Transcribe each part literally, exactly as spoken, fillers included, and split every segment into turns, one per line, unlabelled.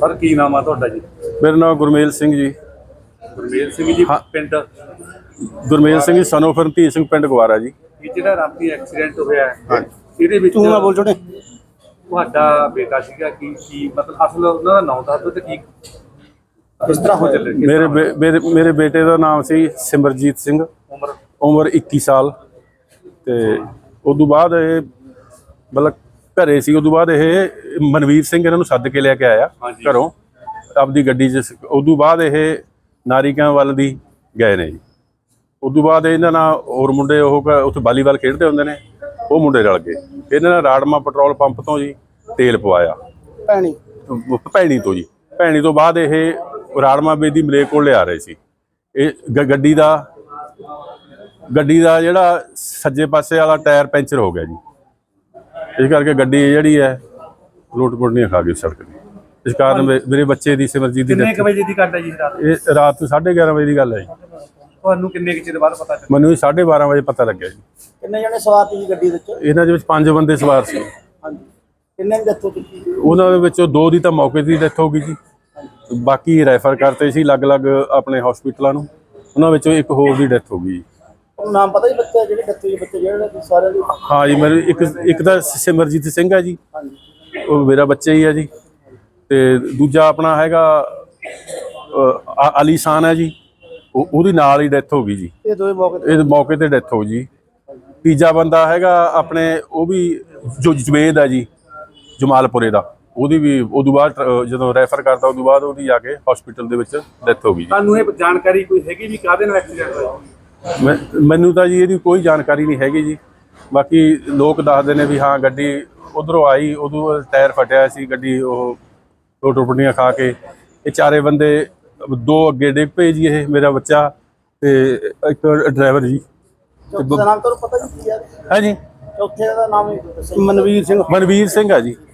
Sir की नाम है तुहाडा जी?
मेरा नाम गुरमेल सिंह जी।
गुरमेल सिंह जी
हाँ।
पिंड
गुरमेल सिंह जी सन ऑफ रਣਧੀਰ ਸਿੰਘ ਪਿੰਡ ਗਵਾਰਾ ਜੀ।
ਇਹ ਜਿਹੜਾ ਰਾਤੀ ਐਕਸੀਡੈਂਟ ਹੋਇਆ ਹੈ
ਹਾਂ।
ਇਹਦੇ ਵਿੱਚ
ਤੂੰ ਨਾ ਬੋਲ ਛੋਟੇ।
ਤੁਹਾਡਾ ਬੇਟਾ ਸੀਗਾ ਕੀ ਕੀ ਮਤਲਬ ਅਸਲ ਉਹਨਾਂ ਦਾ ਨਾਮ ਦੱਸ ਦਿਓ ਤੇ ਕੀ ਕਿਸ ਤਰ੍ਹਾਂ ਹੋ ਚੱਲੇ ਕਿਸ
ਮੇਰੇ
ਤਰ੍ਹਾਂ
ਬੇ- ਮੇਰੇ ਮੇਰੇ ਬੇਟੇ ਦਾ ਨਾਮ ਸੀ ਸਿਮਰਜੀਤ ਸਿੰਘ,
ਉਮਰ
ਉਮਰ ਇੱਕੀ ਸਾਲ। ਤੇ ਉਦੋਂ ਬਾਅਦ ਇਹ ਮਤਲਬ ਘਰੇ ਸੀ। ਉਦੋਂ ਬਾਅਦ ਇਹ ਮਨਵੀਰ ਸਿੰਘ ਇਹਨਾਂ ਨੂੰ ਸੱਦ ਕੇ ਲੈ ਕੇ ਆਇਆ
ਹਾਂਜੀ।
ਘਰੋਂ ਆਪਦੀ ਗੱਡੀ 'ਚ। ਉਦੋਂ ਬਾਅਦ ਇਹ ਨਾਰੀਕਾਂ ਵੱਲ ਦੀ ਗਏ ਨੇ ਜੀ। ਉਦੋਂ ਬਾਅਦ ਇਹਨਾਂ ਨਾਲ ਹੋਰ ਮੁੰਡੇ ਉਹ ਕ- ਉੱਥੇ ਵਾਲੀਬਾਲ ਖੇਡਦੇ ਹੁੰਦੇ ਨੇ, ਉਹ ਮੁੰਡੇ ਰਲ ਗਏ। ਇਹਨਾਂ ਨੇ ਰਾੜਮਾ ਪੈਟਰੋਲ ਪੰਪ ਤੋਂ ਜੀ ਤੇਲ ਪਵਾਇਆ
ਭੈਣੀ
ਭੈਣੀ ਤੋਂ ਜੀ। ਭੈਣੀ ਤੋਂ ਬਾਅਦ ਇਹ ਰਾੜਮਾ ਬੇਦੀ ਮਲੇਕ ਕੋਲ ਲਿਆ ਰਹੇ ਸੀ। ਇਹ ਗ- ਗੱਡੀ ਦਾ ਗੱਡੀ ਦਾ ਜਿਹੜਾ ਸੱਜੇ ਪਾਸੇ ਵਾਲਾ ਟਾਇਰ ਪੈਂਚਰ ਹੋ ਗਿਆ ਜੀ। ਇਸ ਕਰਕੇ ਗੱਡੀ ਜਿਹੜੀ ਹੈ ਲੁੱਟ ਪੁੱਟਣੀਆਂ ਖਾ ਗਈ ਸੜਕ ਦੀ। ਇਸ ਕਾਰਨ ਮੇ- ਮੇਰੇ ਬੱਚੇ ਦੀ ਸਿਮਰਜੀਤ ਦੀ
ਕਿੰਨੇ
death-
ਕੁ ਵਜੇ ਦੀ ਘਟਨਾ ਜੀ ਰਾਤ
ਇਹ ਰਾਤ ਨੂੰ ਸਾਢੇ ਗਿਆਰਾਂ ਵਜੇ ਦੀ ਗੱਲ ਹੈ ਜੀ।
ਤੁਹਾਨੂੰ ਕਿੰਨੇ ਕੁ ਚਿਰ ਬਾਅਦ ਪਤਾ ਚੱਲਿਆ?
ਮੈਨੂੰ ਸਾਢੇ ਬਾਰਾਂ ਵਜੇ ਪਤਾ ਲੱਗਿਆ ਜੀ।
ਕਿੰਨੇ ਜਣੇ ਸਵਾਰ ਸੀ ਗੱਡੀ ਵਿੱਚ?
ਇਹਨਾਂ ਦੇ ਵਿੱਚ ਪੰਜ ਬੰਦੇ ਸਵਾਰ ਸੀ।
ਹਾਂਜੀ, ਕਿੰਨੇ ਦੀ ਡੈਥ ਹੋ ਚੁੱਕੀ?
ਉਹਨਾਂ ਦੇ ਵਿੱਚੋਂ ਦੋ ਦੀ ਤਾਂ ਮੌਕੇ ਦੀ ਡੈਥ ਹੋ ਗਈ ਜੀ। ਬਾਕੀ ਰੈਫਰ ਕਰਤੇ ਸੀ ਅਲੱਗ-ਅਲੱਗ ਆਪਣੇ ਹਸਪੀਟਲਾਂ ਨੂੰ। ਉਹਨਾਂ ਵਿੱਚੋਂ ਇੱਕ ਹੋਰ ਦੀ ਡੈਥ ਹੋ ਗਈ ਜੀ।
ਉਹਨੂੰ ਨਾਮ ਪਤਾ ਜੀ ਬੱਚੇ ਜਿਹੜੇ ਡੈਥ ਹੋਈ? ਬੱਚੇ ਜਿਹੜੇ ਸਾਰਿਆਂ ਦੀ?
ਹਾਂ ਜੀ, ਮੇਰੇ ਇੱਕ ਇੱਕ ਤਾਂ ਸਿਮਰਜੀਤ ਸਿੰਘ ਹੈ ਜੀ,
ਹਾਂਜੀ।
ਉਹ ਮੇਰਾ ਬੱਚਾ ਹੀ ਹੈ ਜੀ। ਤੇ ਦੂਜਾ ਆਪਣਾ ਹੈਗਾ ਅ, ਅਲੀਸ਼ਾਨ ਹੈ ਜੀ, ਉਹ ਉਹਦੀ ਨਾਲ ਹੀ ਡੈਥ ਹੋ ਗਈ ਜੀ।
ਇਹ ਦੋਵੇਂ ਮੌਕੇ ਤੇ?
ਇਹ ਮੌਕੇ ਤੇ ਡੈਥ ਹੋ ਗਈ ਜੀ। ਤੀਜਾ ਬੰਦਾ ਹੈਗਾ ਆਪਣੇ ਉਹ ਵੀ ਜੋ ਜਵੇਦ ਹੈ ਜੀ, ਜਮਾਲਪੁਰੇ ਦਾ। ਉਹਦੀ ਵੀ ਉਦੋਂ ਬਾਅਦ ਅ, ਜਦੋਂ ਰੈਫਰ ਕਰਤਾ ਉਦੋਂ ਬਾਅਦ ਉਹਦੀ ਜਾ ਕੇ ਹਸਪੀਟਲ ਦੇ ਵਿੱਚ ਡੈਥ ਹੋ ਗਈ ਜੀ।
ਤੁਹਾਨੂੰ ਇਹ ਜਾਣਕਾਰੀ ਕੋਈ ਹੈਗੀ ਵੀ ਕਾਹਦੇ ਨਾਲ ਐਕਸੀਡੈਂਟ ਹੋਇਆ?
ਮੈਂ ਮੈਨੂੰ ਤਾਂ ਜੀ ਇਹਦੀ ਕੋਈ ਜਾਣਕਾਰੀ ਨਹੀਂ ਹੈਗੀ ਜੀ। ਬਾਕੀ ਲੋਕ ਦੱਸਦੇ ਨੇ ਵੀ ਹਾਂ ਗੱਡੀ ਉਧਰੋਂ ਆਈ, ਉਦੋਂ ਟਾਇਰ ਫਟਿਆ ਸੀ ਗੱਡੀ, ਉਹ ਦੋ ਟੁੱਟਣੀਆਂ ਖਾ ਕੇ ਇਹ ਚਾਰੇ ਬੰਦੇ, ਦੋ ਅੱਗੇ ਡਿੱਗ ਪਏ ਜੀ। ਇਹ ਮੇਰਾ ਬੱਚਾ ਤੇ ਇੱਕ ਡਰਾਈਵਰ ਜੀ।
ਚੌਥੇ ਦਾ ਨਾਮ ਤੁਹਾਨੂੰ ਪਤਾ ਜੀ ਕੀ ਹੈ?
ਹੈ ਜੀ,
ਚੌਥੇ ਦਾ ਨਾਮ ਹੀ ਦੱਸੋ। ਮਨਵੀਰ ਸਿੰਘ।
ਮਨਵੀਰ ਸਿੰਘ ਆ ਜੀ।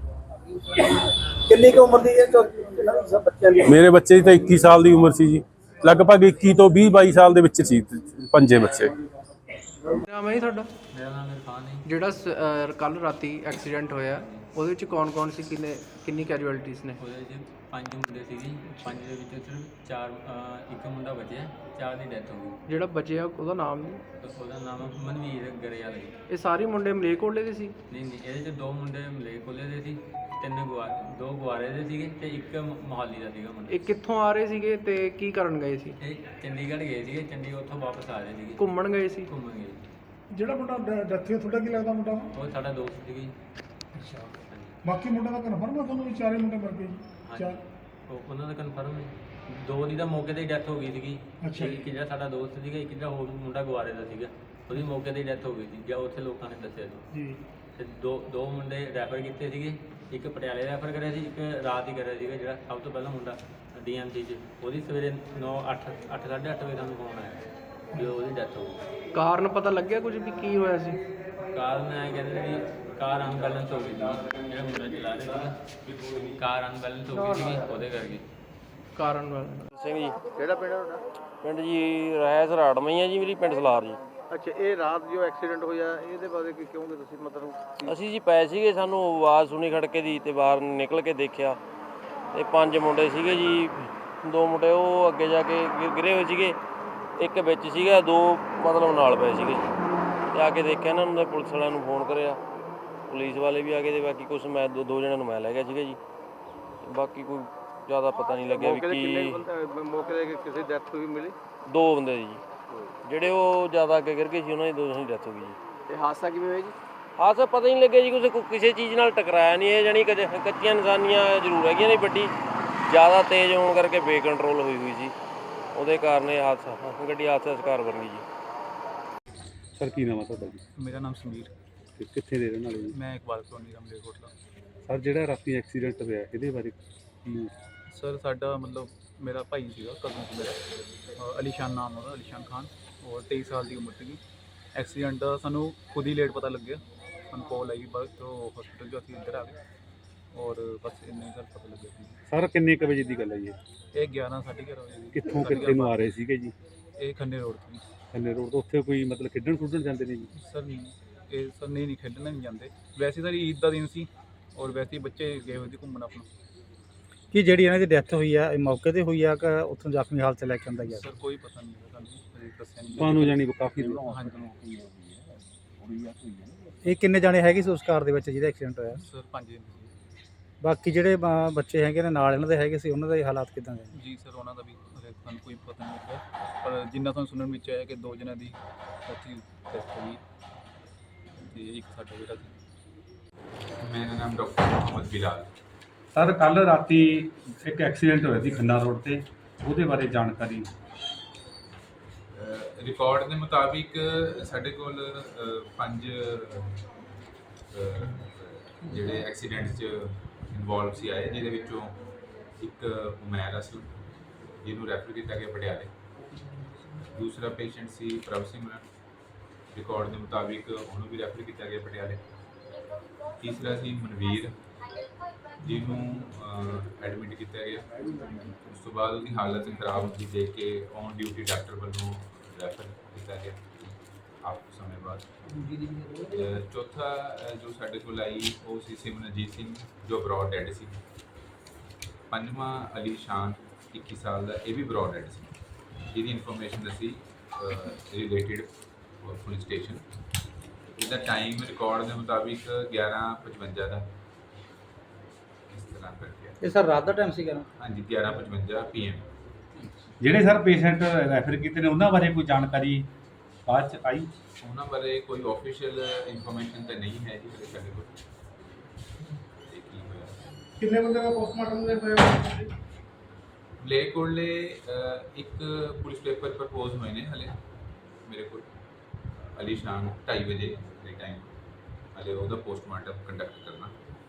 ਕਿੰਨੀ ਕੁ ਉਮਰ ਦੀ ਹੈ ਚੌਥੇ ਇਹਨਾਂ ਦੀ ਸਭ ਬੱਚਿਆਂ ਦੀ?
ਮੇਰੇ ਬੱਚੇ ਦੀ ਤਾਂ ਇੱਕੀ ਸਾਲ ਦੀ ਉਮਰ ਸੀ ਜੀ। ਲਗਭਗ ਇੱਕੀ ਤੋਂ ਵੀਹ ਬਾਈ ਸਾਲ ਦੇ ਵਿੱਚ ਸੀ ਪੰਜੇ ਬੱਚੇ।
ਨਾਮ ਹੈ ਜੀ ਤੁਹਾਡਾ?
ਮੇਰਾ ਨਾਮ ਇਰਫਾਨ ਹੈ।
ਜਿਹੜਾ ਕੱਲ ਰਾਤੀ ਐਕਸੀਡੈਂਟ ਹੋਇਆ ਉਹਦੇ ਵਿੱਚ ਕੌਣ ਕੌਣ ਸੀ, ਕਿੰਨੇ ਕਿੰਨੀ ਕੈਜੁਅਲਟੀਜ਼ ਨੇ?
ਉਹਦੇ 'ਚ ਪੰਜ ਮੁੰਡੇ ਸੀਗੇ, ਪੰਜ ਦੇ ਵਿੱਚੋਂ ਸਿਰਫ ਚਾਰ ਅਹ, ਇੱਕ ਮੁੰਡਾ ਬਚਿਆ, ਚਾਰ ਦੀ ਡੈਥ ਹੋ ਗਈ।
ਜਿਹੜਾ ਬਚਿਆ ਉਹਦਾ ਨਾਮ ਨਹੀਂ?
ਤੇ ਉਹਦਾ ਨਾਮ ਮਨਵੀਰ ਗਰੇਵਾਲ ਹੈ।
ਇਹ ਸਾਰੇ ਮੁੰਡੇ ਮਲੇਰਕੋਟਲੇ ਦੇ ਸੀ?
ਨਹੀਂ ਨਹੀਂ, ਇਹਦੇ 'ਚ ਦੋ ਮੁੰਡੇ ਮਲੇਰਕੋਟਲੇ ਦੇ ਸੀ, ਤਿੰਨ ਗੁਆ ਦੋ ਗੁਆਰੇ ਦੇ ਸੀਗੇ ਤੇ ਇੱਕ ਮੋਹਾਲੀ ਦਾ ਸੀਗਾ ਮੁੰਡਾ।
ਇਹ ਕਿੱਥੋਂ ਆ ਰਹੇ ਸੀਗੇ ਤੇ ਕੀ ਕਰਨ ਗਏ ਸੀ?
ਇਹ ਚੰਡੀਗੜ੍ਹ ਗਏ ਸੀਗੇ, ਚੰਡੀਗੜ੍ਹ ਉੱਥੋਂ ਵਾਪਸ ਆ ਰਹੇ ਸੀਗੇ,
ਘੁੰਮਣ ਗਏ ਸੀ?
ਘੁੰਮਣ ਗਏ।
ਜਿਹੜਾ ਮੁੰਡਾ ਡੈਥ ਹੋਇਆ ਤੁਹਾਡਾ ਕੀ ਲੱਗਦਾ ਮੁੰਡਾ?
ਉਹ ਸਾਡਾ ਦੋਸਤ ਸੀਗਾ ਜੀ।
ਅੱਛਾ, ਬਾਕੀ ਮੁੰਡਾ ਦਾ ਕਨਫਰਮ ਆ ਤੁਹਾਨੂੰ ਵੀ ਚਾਰੇ ਮੁੰਡੇ ਮਰ ਗਏ ਜੀ? ਚਾਰ?
ਉਹ ਉਹਨਾਂ ਦਾ ਕਨਫਰਮ ਹੈ। ਦੋ ਦੀ ਤਾਂ ਮੌਕੇ ਤੇ ਹੀ ਡੈਥ ਹੋ ਗਈ ਸੀਗੀ।
ਅੱਛਾ।
ਇੱਕ ਜਿਹੜਾ ਸਾਡਾ ਦੋਸਤ ਸੀਗਾ, ਇੱਕ ਜਿਹੜਾ ਹੋਰ ਮੁੰਡਾ ਗੁਆਰੇ ਦਾ ਸੀਗਾ, ਉਹਦੀ ਮੌਕੇ ਤੇ ਹੀ ਡੈਥ ਹੋ ਗਈ ਸੀ ਜਾਂ ਉੱਥੇ ਲੋਕਾਂ ਨੇ ਦੱਸਿਆ ਸੀ
ਜੀ।
ਤੇ ਦੋ ਦੋ ਮੁੰਡੇ ਰੈਫਰ ਕੀਤੇ ਸੀਗੇ, ਇੱਕ ਪਟਿਆਲੇ ਰੈਫਰ ਕਰਿਆ ਸੀ, ਇੱਕ ਰਾਤ ਹੀ ਕਰਿਆ ਸੀਗਾ ਜਿਹੜਾ ਸਭ ਤੋਂ ਪਹਿਲਾਂ ਮੁੰਡਾ ਡੀ ਐਮ ਸੀ 'ਚ। ਉਹਦੀ ਸਵੇਰੇ ਨੌ ਅੱਠ ਅੱਠ ਸਾਢੇ ਅੱਠ ਵਜੇ ਸਾਨੂੰ ਫੋਨ ਆਇਆ ਵੀ ਉਹਦੀ ਡੈਥ ਹੋ ਗਈ।
ਕਾਰਨ ਪਤਾ ਲੱਗਿਆ ਕੁਝ ਵੀ ਕੀ ਹੋਇਆ ਸੀ?
ਕਾਰਨ ਐਂ ਕਹਿੰਦੇ ਨੇ ਵੀ ਕਾਰ ਅਨਬੈਲੈਂਸ ਹੋ ਗਈ ਸੀ, ਜਿਹੜਾ ਮੁੰਡਾ ਚਲਾ ਰਿਹਾ ਸੀਗਾ ਕਾਰ ਅਨਬੈਲੈਂਸ ਹੋ ਗਈ ਸੀਗੀ ਉਹਦੇ ਕਰਕੇ।
ਕਾਰਨ ਵਾਲਾ
ਸਿੰਘ ਜੀ।
ਕਿਹੜਾ ਪਿੰਡ ਹੈ ਤੁਹਾਡਾ?
ਪਿੰਡ ਜੀ ਰਾਇਸ ਰਾੜਮਾ ਹੀ ਆ ਜੀ, ਮੇਰੀ ਪਿੰਡ ਸਲਾਰ ਜੀ।
ਅੱਛਾ, ਇਹ ਰਾਤ ਜੋ ਐਕਸੀਡੈਂਟ ਹੋਇਆ ਇਹਦੇ ਬਾਰੇ ਕੀ ਕਹੋਗੇ ਤੁਸੀਂ? ਮਤਲਬ
ਅਸੀਂ ਜੀ ਪਏ ਸੀਗੇ, ਸਾਨੂੰ ਆਵਾਜ਼ ਸੁਣੀ ਖੜਕੇ ਦੀ ਤੇ ਬਾਹਰ ਨਿਕਲ ਕੇ ਦੇਖਿਆ ਤੇ ਪੰਜ ਮੁੰਡੇ ਸੀਗੇ ਜੀ। ਦੋ ਮੁੰਡੇ ਉਹ ਅੱਗੇ ਜਾ ਕੇ ਗਿ- ਗਿਰੇ ਹੋਏ ਸੀਗੇ, ਇੱਕ ਵਿੱਚ ਸੀਗਾ, ਦੋ ਮਤਲਬ ਨਾਲ ਪਏ ਸੀਗੇ। ਤੇ ਆ ਕੇ ਦੇਖਿਆ ਇਹਨਾਂ ਨੂੰ, ਪੁਲਿਸ ਵਾਲਿਆਂ ਨੂੰ ਫੋਨ ਕਰਿਆ, ਪੁਲਿਸ ਵਾਲੇ ਵੀ ਆ ਗਏ ਤੇ ਬਾਕੀ ਕੁਛ ਮੈਂ ਦੋ ਦੋ ਜਣਿਆਂ ਨੂੰ ਮੈਂ ਲੈ ਗਿਆ ਸੀਗਾ ਜੀ। ਬਾਕੀ ਕੋਈ ਜ਼ਿਆਦਾ ਪਤਾ ਨਹੀਂ ਲੱਗਿਆ ਵੀ
ਮੌਕੇ ਤੇ ਕਿੰਨੇ
ਕੀ।
ਬੰਦੇ ਮੌਕੇ ਤੇ ਕਿਸੇ ਡੈਥ ਹੋਈ ਮਿਲੀ?
ਦੋ ਬੰਦੇ ਜੀ, ਜਿਹੜੇ ਉਹ ਜ਼ਿਆਦਾ ਅੱਗੇ ਗਿਰ ਗਏ ਸੀ, ਉਹਨਾਂ ਦੀ ਦੋ ਦੀ ਡੈਥ ਹੋ ਗਈ ਜੀ।
ਇਹ ਹਾਦਸਾ ਕਿਵੇਂ ਹੋਇਆ ਜੀ?
ਹਾਂ ਸਰ, ਪਤਾ ਹੀ ਨਹੀਂ ਲੱਗਿਆ ਜੀ ਕੁਛ, ਕੋ- ਕਿਸੇ ਚੀਜ਼ ਨਾਲ ਟਕਰਾਇਆ ਨਹੀਂ ਇਹ, ਜਾਣੀ ਕਿ ਕੱਚੀਆਂ ਨਿਸ਼ਾਨੀਆਂ ਜ਼ਰੂਰ ਹੈਗੀਆਂ ਨੇ। ਵੱਡੀ ਜ਼ਿਆਦਾ ਤੇਜ਼ ਹੋਣ ਕਰਕੇ ਬੇਕੰਟਰੋਲ ਹੋਈ ਹੋਈ ਸੀ, ਉਹਦੇ ਕਾਰਨ ਇਹ ਹਾਦਸਾ ਗੱਡੀ ਹਾਦਸੇ ਦਾ ਸ਼ਿਕਾਰ ਬਣ ਗਈ ਜੀ।
ਸਰ ਕੀ ਨਾਮ ਹੈ ਤੁਹਾਡਾ ਜੀ?
ਮੇਰਾ ਨਾਮ ਸਮੀਰ,
ਤੇ ਕਿੱਥੇ ਦੇ ਰਹਿਣ ਵਾਲੇ ਜੀ?
ਮੈਂ ਇਕਬਾਲ ਕਲੋਨੀ ਦਾ ਮਲੇਰਕੋਟਲਾ।
ਸਰ ਜਿਹੜਾ ਰਾਤੀ ਐਕਸੀਡੈਂਟ ਹੋਇਆ ਇਹਦੇ ਬਾਰੇ ਕੀ?
ਸਰ ਸਾਡਾ ਮਤਲਬ ਮੇਰਾ ਭਾਈ ਸੀਗਾ, ਕਜ਼ਨ ਸੀ ਮੇਰਾ, ਅ, ਅਲੀਸ਼ਾਨ ਨਾਮ ਉਹਦਾ, ਅਲੀਸ਼ਾਨ ਖਾਨ, ਔਰ ਤੇਈ ਸਾਲ ਦੀ ਉਮਰ ਸੀਗੀ। ਐਕਸੀਡੈਂਟ ਦਾ ਸਾਨੂੰ ਖੁਦ ਹੀ ਲੇਟ ਪਤਾ ਲੱਗਿਆ, ਸਾਨੂੰ ਕਾਲ ਆਈ ਬਾਅਦ ਤੋਂ ਹਸਪੀਟਲ 'ਚੋਂ ਅਸੀਂ ਇੱਧਰ ਆ ਗਏ ਔਰ ਬਸ ਇੰਨੇ ਸਰ ਪਤਾ ਲੱਗਿਆ ਸੀ।
ਸਰ ਕਿੰਨੇ ਕੁ ਵਜੇ ਦੀ ਗੱਲ ਹੈ ਜੀ?
ਇਹ ਗਿਆਰਾਂ ਸਾਢੇ ਗਿਆਰਾਂ ਵਜੇ ਦੀ।
ਕਿੱਥੋਂ ਕਿੱਥੇ ਨੂੰ ਆ ਰਹੇ ਸੀਗੇ ਜੀ?
ਇਹ ਖੰਨੇ ਰੋਡ ਤੋਂ।
ਖੰਨੇ ਰੋਡ ਤੋਂ ਉੱਥੇ ਕੋਈ ਮਤਲਬ ਖੇਡਣ ਖੁੱਡਣ ਜਾਂਦੇ ਨੇ ਜੀ?
ਸਰ ਨਹੀਂ, ਇਹ ਸਰ ਨਹੀਂ ਨਹੀਂ ਖੇਡਣ ਨਹੀਂ ਜਾਂਦੇ, ਵੈਸੇ ਸਰ ਈਦ ਦਾ ਦਿਨ ਸੀ ਔਰ ਵੈਸੇ ਹੀ ਬੱਚੇ ਗਏ ਹੋਏ ਸੀ ਘੁੰਮਣ ਆਪਣਾ।
ਕਿ ਜਿਹੜੀ ਇਹਨਾਂ ਦੀ ਡੈਥ ਹੋਈ ਆ ਇਹ ਮੌਕੇ ਤੇ ਹੋਈ ਆ ਕਿ ਉੱਥੋਂ ਜ਼ਖਮੀ ਹਾਲਤ 'ਚ ਲੈ ਕੇ ਆਂਦਾ ਗਿਆ?
ਸਰ ਕੋਈ ਪਤਾ ਨਹੀਂ ਹੈ ਸਾਨੂੰ, ਅਜੇ ਦੱਸਿਆ ਨਹੀਂ।
ਤੁਹਾਨੂੰ ਜਾਨੀ ਕਾਫੀ
ਹਾਂਜੀ
ਇਹ ਕਿੰਨੇ ਜਾਣੇ ਹੈਗੇ ਸੀ ਉਸ ਕਾਰ ਦੇ ਵਿੱਚ ਜਿਹਦਾ ਐਕਸੀਡੈਂਟ ਹੋਇਆ?
ਸਰ ਪੰਜ ਦਿਨ ਸੀ।
ਬਾਕੀ ਜਿਹੜੇ ਬ- ਬੱਚੇ ਹੈਗੇ ਨੇ ਨਾਲ ਇਹਨਾਂ ਦੇ ਹੈਗੇ ਸੀ, ਉਹਨਾਂ ਦੇ ਹਾਲਾਤ ਕਿਦਾਂ ਦੇ ਨੇ?
ਜੀ ਸਰ ਉਹਨਾਂ ਦਾ ਵੀ ਹਜੇ ਸਾਨੂੰ ਕੋਈ ਪਤਾ ਨਹੀਂ ਲੱਗਾ, ਪਰ ਜਿੰਨਾ ਤੁਹਾਨੂੰ ਸੁਣਨ ਵਿੱਚ ਆਇਆ ਕਿ ਦੋ ਜਣਿਆਂ ਦੀ ਉੱਥੇ ਡੈਥ ਹੋ ਗਈ ਤੇ ਇੱਕ ਸਾਡਾ ਜਿਹੜਾ ਸੀ।
ਮੇਰਾ ਨਾਮ ਡਾਕਟਰ ਮੁਹੰਮਦ ਬਿਲਾਲ।
ਸਰ ਕੱਲ ਰਾਤੀ ਇੱਕ ਐਕਸੀਡੈਂਟ ਹੋਇਆ ਸੀ ਖੰਨਾ ਰੋਡ ਤੇ, ਉਹਦੇ ਬਾਰੇ ਜਾਣਕਾਰੀ।
ਰਿਕਾਰਡ ਦੇ ਮੁਤਾਬਿਕ ਸਾਡੇ ਕੋਲ ਅ, ਪੰਜ ਅ, ਜਿਹੜੇ ਐਕਸੀਡੈਂਟ 'ਚ ਇਨਵੋਲਵ ਸੀ ਆਏ, ਜਿਹਦੇ ਵਿੱਚੋਂ ਇੱਕ ਉਮੈਰ ਅਸਲ ਜਿਹਨੂੰ ਰੈਫਰ ਕੀਤਾ ਗਿਆ ਪਟਿਆਲੇ। ਦੂਸਰਾ ਪੇਸ਼ੈਂਟ ਸੀ ਪ੍ਰਭ ਸਿਮਰਨ, ਰਿਕਾਰਡ ਦੇ ਮੁਤਾਬਿਕ ਉਹਨੂੰ ਵੀ ਰੈਫਰ ਕੀਤਾ ਗਿਆ ਪਟਿਆਲੇ। ਤੀਸਰਾ ਸੀ ਮਨਵੀਰ, ਜਿਹਨੂੰ ਐਡਮਿਟ ਕੀਤਾ ਗਿਆ। ਉਸ ਤੋਂ ਬਾਅਦ ਉਹਦੀ ਹਾਲਤ ਖਰਾਬ ਹੁੰਦੀ ਦੇਖ ਕੇ ਔਨ ਡਿਊਟੀ ਡਾਕਟਰ ਵੱਲੋਂ ਰੈਫਰ ਕੀਤਾ ਗਿਆ ਆਪ ਸਮੇਂ ਬਾਅਦ। ਅ, ਚੌਥਾ ਅ, ਜੋ ਸਾਡੇ ਕੋਲ ਆਈ ਉਹ ਸੀ ਸਿਮਰਨਜੀਤ ਸਿੰਘ, ਜੋ ਬਰੌਡ ਡੈਡ ਸੀ। ਪੰਜਵਾਂ ਅਲੀ ਸ਼ਾਨ ਇੱਕੀ ਸਾਲ ਦਾ, ਇਹ ਵੀ ਬਰੌਡ ਡੈਡ ਸੀ, ਜਿਹਦੀ ਇਨਫੋਰਮੇਸ਼ਨ ਦੱਸੀ ਰਿਲੇਟਿਡ ਪੁਲਿਸ ਸਟੇਸ਼ਨ। ਇਹਦਾ ਟਾਈਮ ਰਿਕਾਰਡ ਦੇ ਮੁਤਾਬਿਕ ਗਿਆਰਾਂ ਪਚਵੰਜਾ ਦਾ ਇਸ ਤਰ੍ਹਾਂ ਕਰਕੇ।
ਇਹ ਸਰ ਰਾਤ ਦਾ ਟਾਈਮ ਸੀਗਾ ਨਾ?
ਹਾਂਜੀ ਗਿਆਰਾਂ ਪਚਵੰਜਾ ਪੀ ਐਮ।
ਜਿਹੜੇ ਸਰ ਪੇਸ਼ੈਂਟ ਰੈਫਰ ਕੀਤੇ ਨੇ ਉਹਨਾਂ ਬਾਰੇ ਕੋਈ ਜਾਣਕਾਰੀ ਬਾਅਦ ਚ ਆਈ?
ਉਹਨਾਂ ਬਾਰੇ ਕੋਈ ਆਫੀਸ਼ੀਅਲ ਇਨਫੋਰਮੇਸ਼ਨ ਤਾਂ ਨਹੀਂ ਹੈ ਜੀ ਹਲੇ ਸਾਡੇ ਕੋਲ। ਤੇ ਕੀ ਹੋਇਆ
ਕਿੰਨੇ ਬੰਦੇ ਦਾ ਪੋਸਟਮਾਰਟਮ ਦੇ ਹੋਇਆ?
ਮਲੇਰਕੋਟਲੇ ਅ, ਇੱਕ ਪੁਲਿਸ ਪੇਪਰ ਪ੍ਰਪੋਜ਼ ਹੋਏ ਨੇ ਹਲੇ ਮੇਰੇ ਕੋਲ, ਅਲੀ ਸ਼ਾਨ ਢਾਈ ਵਜੇ ਦੇ ਟਾਈਮ। ਹਲੇ ਉਹਦਾ ਪੋਸਟਮਾਰਟਮ ਕੰਡਕਟ ਕਰਨਾ।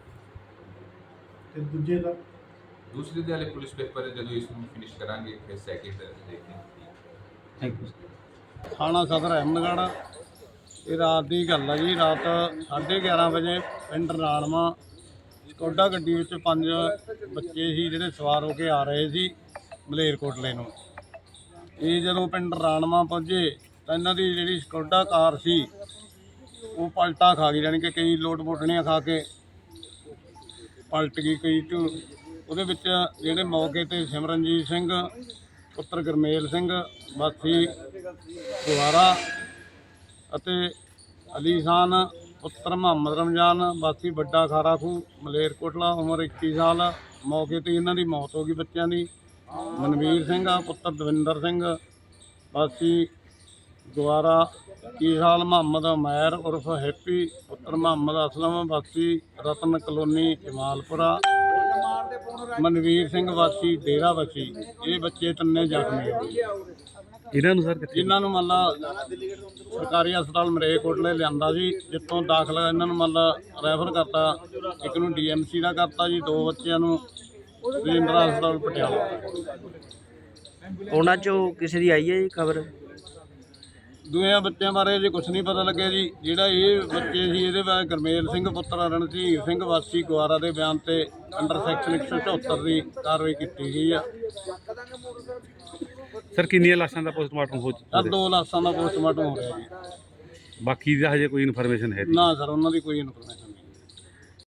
ਤੇ ਦੂਜੇ ਦਾ
ਦੂਸਰੇ ਦੇ ਹਲੇ ਪੁਲਿਸ ਪੇਪਰ ਜਦੋਂ ਇਸ ਨੂੰ ਫਿਨਿਸ਼ ਕਰਾਂਗੇ ਫਿਰ ਸੈਕਿੰਡ ਦੇਖਦੇ ਹਾਂ।
Thank you.
ਥਾਣਾ ਸਦਰ ਅਹਿਮਦਗੜ੍ਹ। ਇਹ ਰਾਤ ਦੀ ਗੱਲ ਆ ਜੀ, ਰਾਤ ਸਾਢੇ ਗਿਆਰਾਂ ਵਜੇ ਪਿੰਡ ਰਾਲਮਾ ਸਕੋਡਾ ਗੱਡੀ ਵਿੱਚ ਪੰਜ ਬੱਚੇ ਸੀ ਜਿਹੜੇ ਸਵਾਰ ਹੋ ਕੇ ਆ ਰਹੇ ਸੀ ਮਲੇਰਕੋਟਲੇ ਨੂੰ। ਇਹ ਜਦੋਂ ਪਿੰਡ ਰਾਲਮਾ ਪਹੁੰਚੇ ਤਾਂ ਇਹਨਾਂ ਦੀ ਜਿਹੜੀ ਸਕੋਡਾ ਕਾਰ ਸੀ ਉਹ ਪਲਟਾ ਖਾ ਗਈ, ਯਾਨੀ ਕਿ ਕਈ ਲੋਟ ਮੋਟਣੀਆਂ ਖਾ ਕੇ ਪਲਟ ਗਈ ਕਈ ਝੂ। ਉਹਦੇ ਵਿੱਚ ਜਿਹੜੇ ਮੌਕੇ 'ਤੇ ਸਿਮਰਨਜੀਤ ਸਿੰਘ ਪੁੱਤਰ ਗੁਰਮੇਲ ਸਿੰਘ ਵਾਸੀ ਗੁਆਰਾ ਅਤੇ ਅਲੀ ਖਾਨ ਪੁੱਤਰ ਮੁਹੰਮਦ ਰਮਜ਼ਾਨ ਵਾਸੀ ਵੱਡਾ ਖਾਰਾ ਖੂਹ ਮਲੇਰਕੋਟਲਾ, ਉਮਰ ਇੱਕੀ ਸਾਲ, ਮੌਕੇ 'ਤੇ ਇਹਨਾਂ ਦੀ ਮੌਤ ਹੋ ਗਈ ਬੱਚਿਆਂ ਦੀ। ਮਨਵੀਰ ਸਿੰਘ ਪੁੱਤਰ ਦਵਿੰਦਰ ਸਿੰਘ ਵਾਸੀ ਗੁਆਰਾ ਇੱਕੀ ਸਾਲ, ਮੁਹੰਮਦ ਉਮੈਰ ਉਰਫ ਹੈਪੀ ਪੁੱਤਰ ਮੁਹੰਮਦ ਅਸਲਮ ਵਾਸੀ ਰਤਨ ਕਲੋਨੀ ਜਮਾਲਪੁਰਾ, ਮਨਵੀਰ ਸਿੰਘ ਵਾਸੀ ਡੇਰਾ ਵਾਸੀ। ਇਹ ਬੱਚੇ ਤਿੰਨੇ ਜ਼ਖਮੀ ਹੋ ਗਏ।
ਇਹਨਾਂ ਨੂੰ ਸਰ ਕਿੱਥੇ?
ਇਹਨਾਂ ਨੂੰ ਮੰਨ ਲਾ ਸਰਕਾਰੀ ਹਸਪਤਾਲ ਮਲੇਰਕੋਟਲੇ ਲਿਆਂਦਾ ਸੀ, ਜਿੱਥੋਂ ਦਾਖਲ ਇਹਨਾਂ ਨੂੰ ਮੰਨ ਲਾ ਰੈਫਰ ਕਰਤਾ। ਇੱਕ ਨੂੰ ਡੀ ਐਮ ਸੀ ਦਾ ਕਰਤਾ ਜੀ, ਦੋ ਬੱਚਿਆਂ ਨੂੰ ਰਜਿੰਦਰਾ ਹਸਪਤਾਲ ਪਟਿਆਲਾ।
ਉਹਨਾਂ ਚੋਂ ਕਿਸੇ ਦੀ ਆਈ ਹੈ ਜੀ ਖਬਰ?
ਦੂਜਿਆਂ ਬੱਚਿਆਂ ਬਾਰੇ ਜੇ ਕੁਛ ਨਹੀਂ ਪਤਾ ਲੱਗਿਆ ਜੀ। ਜਿਹੜਾ ਇਹ ਬੱਚੇ ਸੀ ਇਹਦੇ ਬਾਰੇ ਗੁਰਮੇਲ ਸਿੰਘ ਪੁੱਤਰ ਰਣਧੀਰ ਸਿੰਘ ਵਾਸੀ ਗੁਆਰਾ ਦੇ ਬਿਆਨ ਤੇ ਅੰਡਰ ਸੈਕਸ਼ਨ ਇੱਕ ਸੌ ਚੌਹੱਤਰ ਦੀ ਕਾਰਵਾਈ ਕੀਤੀ ਗਈ ਆ।
ਸਰ ਕਿੰਨੀਆਂ ਲਾਸ਼ਾਂ ਦਾ ਪੋਸਟਮਾਰਟਮ ਹੋ
ਸਰ
ਚੁੱਕਾ?
ਦੋ ਲਾਸ਼ਾਂ ਦਾ ਪੋਸਟਮਾਰਟਮ ਹੋ ਰਿਹਾ ਜੀ।
ਬਾਕੀ ਦਾ ਹਜੇ ਕੋਈ ਇਨਫੋਰਮੇਸ਼ਨ ਹੈ ਨਹੀਂ?
ਨਾ ਸਰ ਉਹਨਾਂ ਦੀ ਕੋਈ ਇਨਫੋਰਮੇਸ਼ਨ